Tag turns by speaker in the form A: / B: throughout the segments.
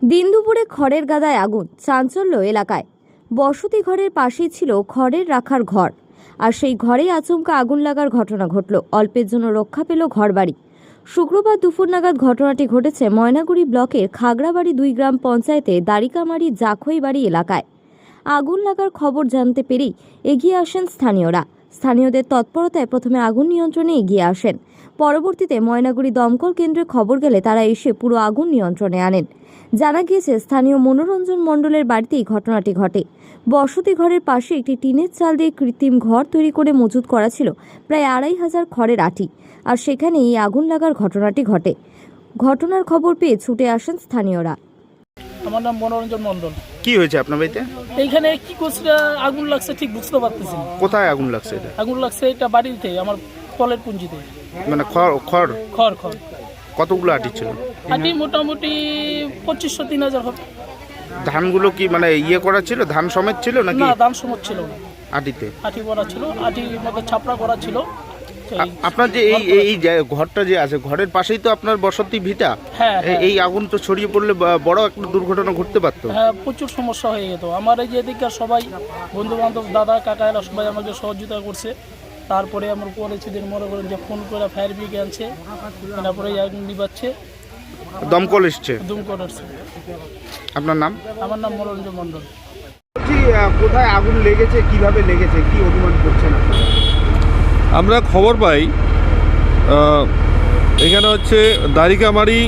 A: দিন দুপুরে খড়ের গাদায় আগুন, চাঞ্চল্য এলাকায়। বসতি ঘরের পাশেই ছিল খড়ের রাখার ঘর, আর সেই ঘরেই আচমকা আগুন লাগার ঘটনা ঘটল। অল্পের জন্য রক্ষা পেল ঘরবাড়ি। শুক্রবার দুপুর নাগাদ ঘটনাটি ঘটেছে ময়নাগুড়ি ব্লকের খাগড়াবাড়ি 2 গ্রাম পঞ্চায়েতে দারিকামারি জাখইবাড়ি এলাকায়। আগুন লাগার খবর জানতে পেরেই এগিয়ে আসেন স্থানীয়রা। স্থানীয়দের তৎপরতায় প্রথমে আগুন নিয়ন্ত্রণে এগিয়ে আসেন। পরবর্তীতে ময়নাগুড়ি দমকল কেন্দ্রে খবর গেলে তারা এসে পুরো আগুন নিয়ন্ত্রণে আনেন। জানা গিয়েছে, স্থানীয় মনোরঞ্জন মণ্ডলের বাড়িতেই ঘটনাটি ঘটে। বসতি ঘরের পাশে একটি টিনের চাল দিয়ে কৃত্রিম ঘর তৈরি করে মজুত করা ছিল প্রায় 2500 খড়ের আঁটি, আর সেখানে এই আগুন লাগার ঘটনাটি ঘটে। ঘটনার খবর পেয়ে ছুটে আসেন স্থানীয়রা।
B: আমার নাম মনোরঞ্জন মণ্ডল।
C: কি হয়েছে আপনার বাড়িতে?
B: এইখানে কি করছে, আগুন লাগছে ঠিক বুঝতে পারতেছি না।
C: কোথায় আগুন লাগছে? এটা
B: আগুন লাগছে এটা বাড়িতে, আমার কলের পুঞ্জিতে।
C: মানে খড় খড়
B: খড় খড়
C: কতগুলো আটি ছিল?
B: আটি মোটামুটি 2500-3000 হবে।
C: ধানগুলো কি মানে ইয়ে করা ছিল, ধান সমেত ছিল নাকি?
B: না, দান সমত ছিল না,
C: আটিতে
B: আটি করা ছিল, আটির মধ্যে ছাপড়া করা ছিল।
C: আপনার যে এই ঘরটা যে আছে, ঘরের পাশেই তো আপনার বসতি ভিটা।
B: হ্যাঁ,
C: এই আগুন তো ছড়িয়ে পড়লে বড় একটা দুর্ঘটনা ঘটতে পারতো।
B: হ্যাঁ, প্রচুর সমস্যা হয়ে যেত। আমার এই যে এদিককার সবাই বন্ধু বান্ধব, দাদা কাকা এরা সবাই আমাকে সহযোগিতা করছে। তারপরে আমার পরিচিতির মনে করেন যে ফোন করে ফায়ার ব্রিগেড আনছে, তারপরে আগুন নিবাচ্ছে,
C: দমকল এসছে।
B: দমকল আসছে।
C: আপনার নাম?
B: আমার নাম মনোরঞ্জন মণ্ডল।
C: কোথায় আগুন লেগেছে, কিভাবে লেগেছে, কি অনুমান করছেন আপনারা?
D: আমরা খবর পাই এখানে হচ্ছে দারিকামারি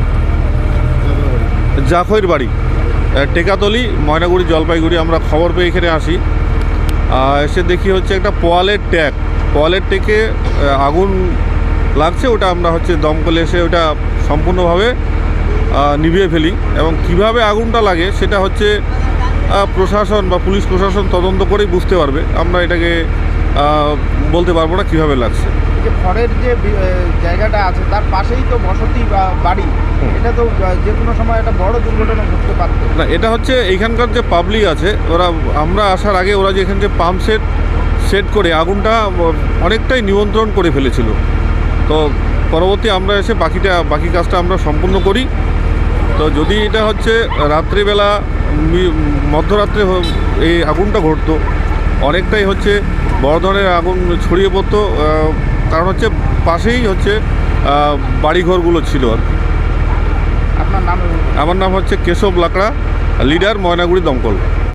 D: জাখইবাড়ি টেকাতলি ময়নাগুড়ি জলপাইগুড়ি। আমরা খবর পেয়ে এখানে আসি, এসে দেখি হচ্ছে একটা পোয়ালের ট্যাকে আগুন লাগছে। ওটা আমরা হচ্ছে দমকলে এসে ওটা সম্পূর্ণভাবে নিভিয়ে ফেলি, এবং কিভাবে আগুনটা লাগে সেটা হচ্ছে প্রশাসন বা পুলিশ প্রশাসন তদন্ত করেই বুঝতে পারবে। আমরা এটাকে বলতে পারবো না কিভাবে লাগছে।
C: যে খড়ের যে জায়গাটা আছে তার পাশেই তো বসতি বা বাড়ি, এটা তো যে কোনো সময় একটা বড় দুর্ঘটনা ঘটতে পারত
D: না। এটা হচ্ছে এইখানকার যে পাবলিক আছে, আমরা আসার আগে ওরা যে এখানে যে পাম্প সেট করে আগুনটা অনেকটাই নিয়ন্ত্রণ করে ফেলেছিল। তো পরবর্তী আমরা এসে বাকি কাজটা আমরা সম্পূর্ণ করি। তো যদি এটা হচ্ছে রাত্রিবেলা মধ্যরাত্রে এই আগুনটা ঘটতো, অনেকটাই হচ্ছে বড় ধরনের আগুন ছড়িয়ে পড়তো। কারণ হচ্ছে পাশেই হচ্ছে বাড়িঘরগুলো ছিল আর কি।
C: আপনার নাম?
D: আমার নাম হচ্ছে কেশব লাকড়া, লিডার ময়নাগুড়ি দমকল।